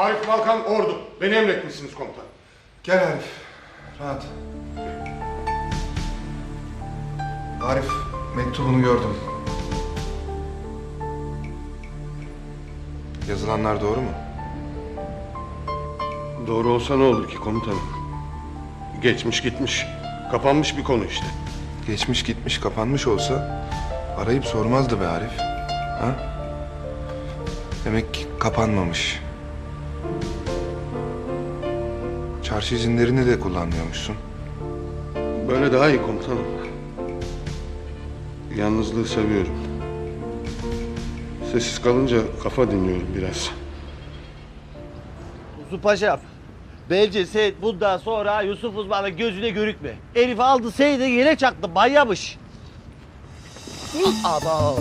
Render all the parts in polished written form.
Arif Balkan Ordu. Beni emretmişsiniz komutanım. Gel Arif. Rahat. Arif, mektubunu gördüm. Yazılanlar doğru mu? Doğru olsa ne olur ki komutanım? Geçmiş gitmiş. Kapanmış bir konu işte. Geçmiş gitmiş kapanmış olsa arayıp sormazdı be Arif. Ha? Demek ki kapanmamış. Çarşı izinlerini de kullanmıyormuşsun. Böyle daha iyi komutanım. Yalnızlığı seviyorum. Sessiz kalınca kafa dinliyorum biraz. Yusuf Paşam, bence sen bundan sonra Yusuf Uzman'ın gözüne görükme. Herif aldı seni de yere çaktı, manyamış. Ama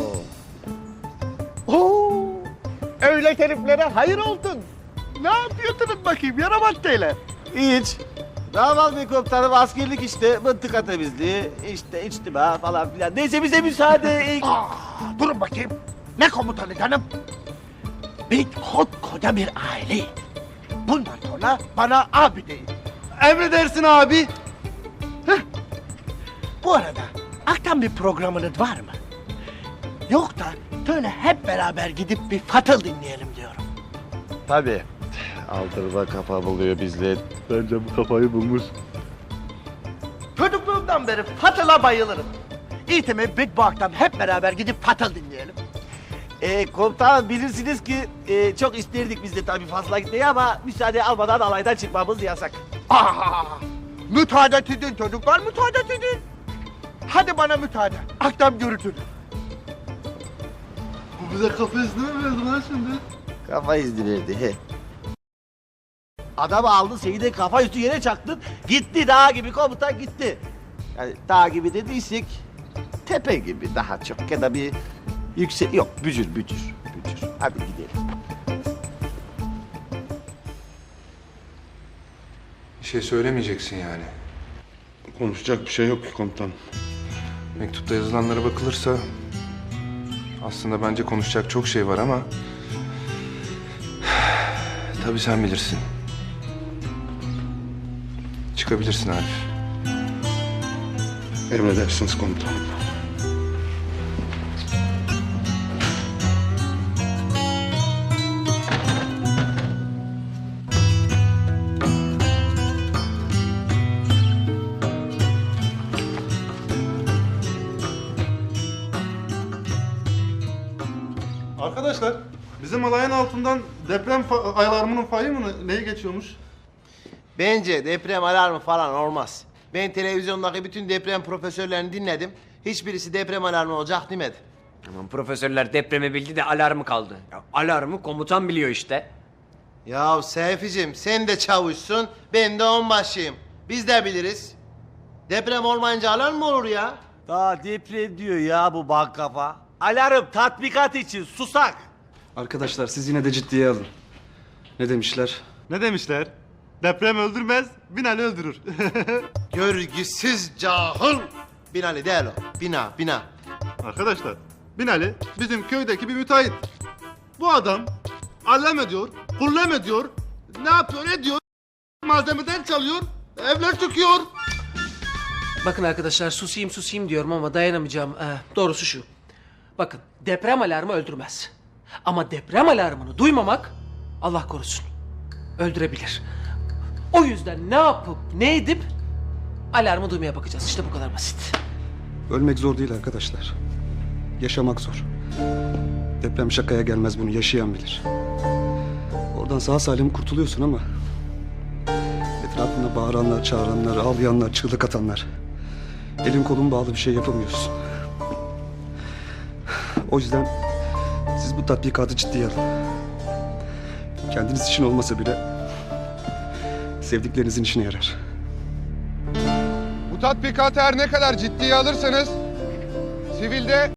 öyle heriflere hayır oldun. Ne yapıyordunuz bakayım yaramaddeyle? Hiç. Ne yapalım be komutanım, askerlik işte, mıntıka temizliği, işte içtima falan filan. Neyse bize müsaade. Durun bakayım. Ne komutanı canım? Biz koskoca bir aileyiz. Bundan sonra bana abi deyin. Emredersin abi. Bu arada akşam bir programınız var mı? Yok da şöyle hep beraber gidip bir Fatıl dinleyelim diyorum. Tabii. Aldırma kafa buluyor bizle. Bence bu kafayı bulmuş. Çocukluğumdan beri Fatıl'a bayılırım. İyi tamam, biz bu akşam hep beraber gidip Fatıl dinleyelim. Komutanım bilirsiniz ki çok isterdik biz de tabii fazla gitmeyi ama müsaade almadan alaydan çıkmamız yasak. Müsaade edin çocuklar, müsaade edin. Hadi bana müsaade. Akşam görüşürüz. Bu bize kafa izni mi verdi lan şimdi? Kafa izni verdi he. Adam aldı seni de kafa üstü yere çaktın. Gitti dağ gibi komutan gitti. Yani dağ gibi dediysek tepe gibi daha çok ya da bir yüksek yok bücür. Hadi gidelim. Bir şey söylemeyeceksin yani. Konuşacak bir şey yok ki komutanım. Mektupta yazılanlara bakılırsa aslında bence konuşacak çok şey var ama tabii sen bilirsin. Çıkabilirsin Arif. Emredersiniz komutanım. Arkadaşlar, bizim alayın altından deprem alarmının fayı mı neyi geçiyormuş? Bence deprem alarmı falan olmaz. Ben televizyondaki bütün deprem profesörlerini dinledim. Hiçbirisi deprem alarmı olacak demedi. Aman profesörler depremi bildi de alarmı kaldı. Ya, alarmı komutan biliyor işte. Ya Seyficim sen de çavuşsun, ben de onbaşıyım. Biz de biliriz. Deprem olmayınca alarm mı olur ya? Daha deprem diyor ya bu bak kafa. Alarm tatbikat için susak. Arkadaşlar siz yine de ciddiye alın. Ne demişler? Ne demişler? Deprem öldürmez, Binali öldürür. Görgüsüz cahil. Binali değil o. Bina. Arkadaşlar, Binali bizim köydeki bir müteahhit. Bu adam allem ediyor, kullem ediyor, ne yapıyor ediyor, malzemeden çalıyor, evler çöküyor. Bakın arkadaşlar susayım diyorum ama dayanamayacağım. Doğrusu şu. Bakın deprem alarmı öldürmez. Ama deprem alarmını duymamak Allah korusun öldürebilir. O yüzden ne yapıp ne edip alarmı duymaya bakacağız. İşte bu kadar basit. Ölmek zor değil arkadaşlar. Yaşamak zor. Deprem şakaya gelmez, bunu yaşayan bilir. Oradan sağ salim kurtuluyorsun ama etrafında bağıranlar, çağıranlar, ağlayanlar, çığlık atanlar. Elin kolun bağlı bir şey yapamıyorsun. O yüzden siz bu tatbikatı ciddiye alın. Kendiniz için olmasa bile sevdiklerinizin işine yarar. Bu tatbikatı her ne kadar ciddiye alırsanız sivilde